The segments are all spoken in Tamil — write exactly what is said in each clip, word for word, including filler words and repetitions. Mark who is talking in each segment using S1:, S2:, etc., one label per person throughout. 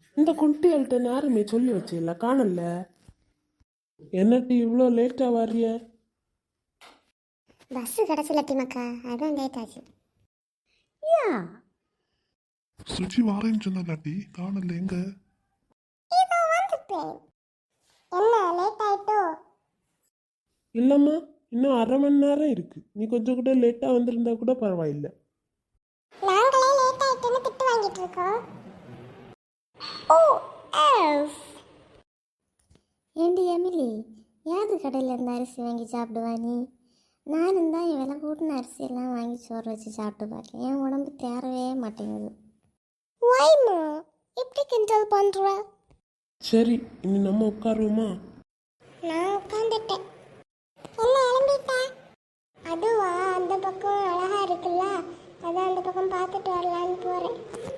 S1: இந்த குட்டிகள்கிட்ட நேரமே சொல்லி வச்சில்ல காணல. என்னட்டி இவ்வளோ லேட்டாக வர்றிய?
S2: பஸ்ஸு கிடச்சில டிமக்கா, அதான் லேட் ஆச்சு. யா
S3: சுச்சி வாரேன்னு சொன்னாட்டி காணல எங்க?
S2: இதோ வந்துட்டேன். என்ன லேட் ஆயிட்டோ?
S1: இல்லைம்மா, இன்னும் அரை மணி நேரம் இருக்கு. நீ கொஞ்சம் கூட லேட்டாக வந்திருந்தா கூட பரவாயில்லை.
S2: நாங்களே லேட் ஆயிட்டுன்னு திட்டு வாங்கிட்டு இருக்கோம். ஓ எஸ். ஏண்டி எமிலி, யாது கடையில் இருந்து அரிசி வாங்கி சாப்பிடுவா நீ? நானும் தான் விலை கூட்டின அரிசியெல்லாம் வாங்கி சோறு வச்சு சாப்பிட்டு பார்க்கேன். என் உடம்பு தேரவே மாட்டேங்குது. வைமா எப்படி கிண்டல் பண்ணுற?
S1: சரி, இனி நம்ம உட்காருவோமா?
S2: நான் உட்காந்துட்டேன். என்ன எழும்பிட்டேன்? அதுவா, அந்த பக்கம் அழகா இருக்குல்ல, அதான் அந்த பக்கம் பார்த்துட்டு வரலான்னு போகிறேன்.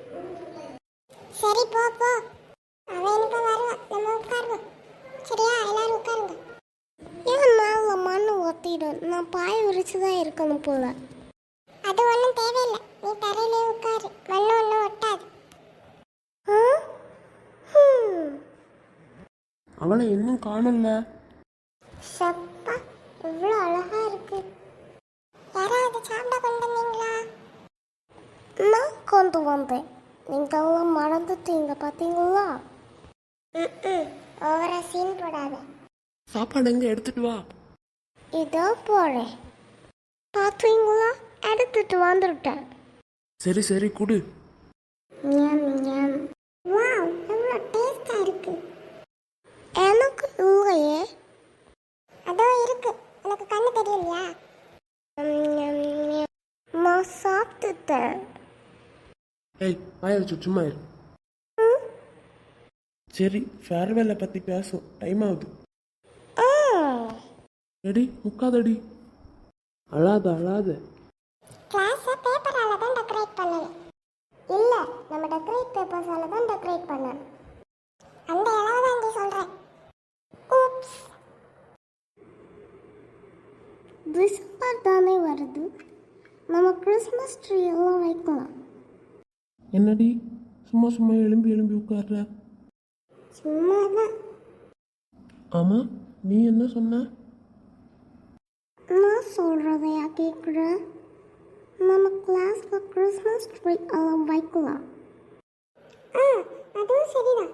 S2: சரி போ போ, அவன் எனக்கு வருவான், நம்ம உட்காருவோம். சரியா, எல்லாரும் உட்காருங்க. ஏன் மேல மண்ணு ஒத்திடும்? நான் பாய விரிச்சு தான் இருக்கணும் போல. அது ஒன்றும் தேவையில்லை, நீ தரையிலே உட்காரு, மண்ணு ஒன்றும் ஒட்டாது.
S1: அவளை இன்னும் காணல.
S2: சப்பா, இவ்வளோ அழகா இருக்கு. யாராவது சாப்பிட கொண்டு வந்தீங்களா? நான் கொண்டு வந்தேன். நீங்கெல்லாம் மறந்துட்டீங்க பார்த்தீங்களா? ம் ஓவரா சீன் போடாத.
S1: சாப்பாடு எங்க எடுத்துட்டு வா.
S2: இதோ போறேன். பார்த்தீங்களா, எடுத்துட்டு வந்துட்டேன்.
S1: சரி சரி குடு.
S2: ஞம் ஞம். வாவ், எவ்வளோ டேஸ்டா இருக்கு. எனக்கு இல்லையே. அதோ இருக்கு, எனக்கு கண்ணு தெரியலையா? நான் சாப்பிட்டுட்டேன்.
S1: ஏய், ஆயிடுச்சு, சும்மா இரு. சரி, ஃபேர்வெல்லை பற்றி பேசும், டைம் ஆகுது. எடி முக்காதடி, அழாத அழாத.
S2: கிளாஸை பேப்பரால தான் டெக்கரேட் பண்ணல. இல்ல, நம்ம டெக்கரேட் பேப்பர்ஸால தான் டெக்கரேட் பண்ணணும். அந்த அளவு தான் இங்கே சொல்றேன். ஊப்ஸ். டிசம்பர் தானே வருது, நம்ம கிறிஸ்மஸ் ட்ரீ எல்லாம் வைக்கலாம்.
S1: என்னடி சும்மா சும்மா எலும்பி எலும்பி உட்கார்ற?
S2: சும்மா தான்.
S1: ஆமாம், நீ என்ன சொன்ன?
S2: நான் சொல்றதையா கேட்குற? நம்ம கிளாஸ்ல கிறிஸ்மஸ் ட்ரீ எல்லாம் வைக்கலாம். ஆ, அதுவும் சரிதான்.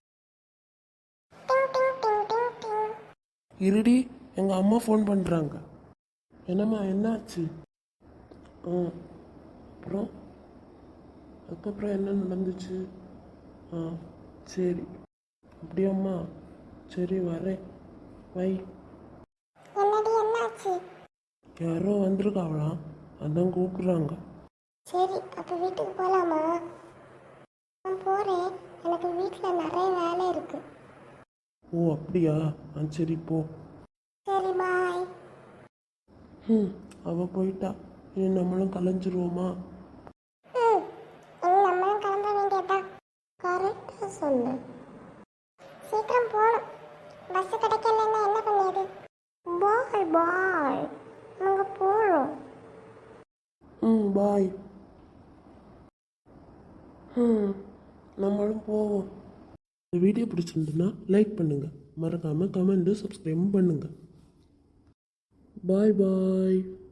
S2: டிங் டிங் டிங் டிங் டிங்.
S1: இருடி, எங்கள் அம்மா ஃபோன் பண்ணுறாங்க. என்னம்மா, என்னாச்சு? ஆ, அப்புறம் அதுக்கப்புறம் என்ன நடந்துச்சு? ஆ சரி, அப்படியாம்மா, சரி வரேன், வை.
S2: என்னடி என்னாச்சு?
S1: யாரோ வந்திருக்காவளாம், அதான் கூப்பிட்றாங்க.
S2: சரி, அப்போ வீட்டுக்கு போகலாமா? நான் போகிறேன், எனக்கு வீட்டில் நிறைய வேலை இருக்கு.
S1: ஓ அப்படியா? ஆ சரி போ.
S2: சரி, பாய்.
S1: ம் அவள் போயிட்டா, இனி நம்மளும் கலைஞ்சிருவோமா?
S2: ம் இனி நம்மளும் கிளம்ப வேண்டியதுதான். கரெக்டாக சொன்னேன். சீக்கிரம் போகணும், பஸ் கிடைக்கலன்னா என்ன பண்ணியது? பாய் பாய், நாங்கள் போகிறோம்.
S1: ம் பாய். ம் நம்மளும் போவோம். இந்த வீடியோ பிடிச்சிருந்துன்னா லைக் பண்ணுங்கள், மறக்காமல் கமெண்ட்டு சப்ஸ்கிரைப் பண்ணுங்கள். பாய் பாய்.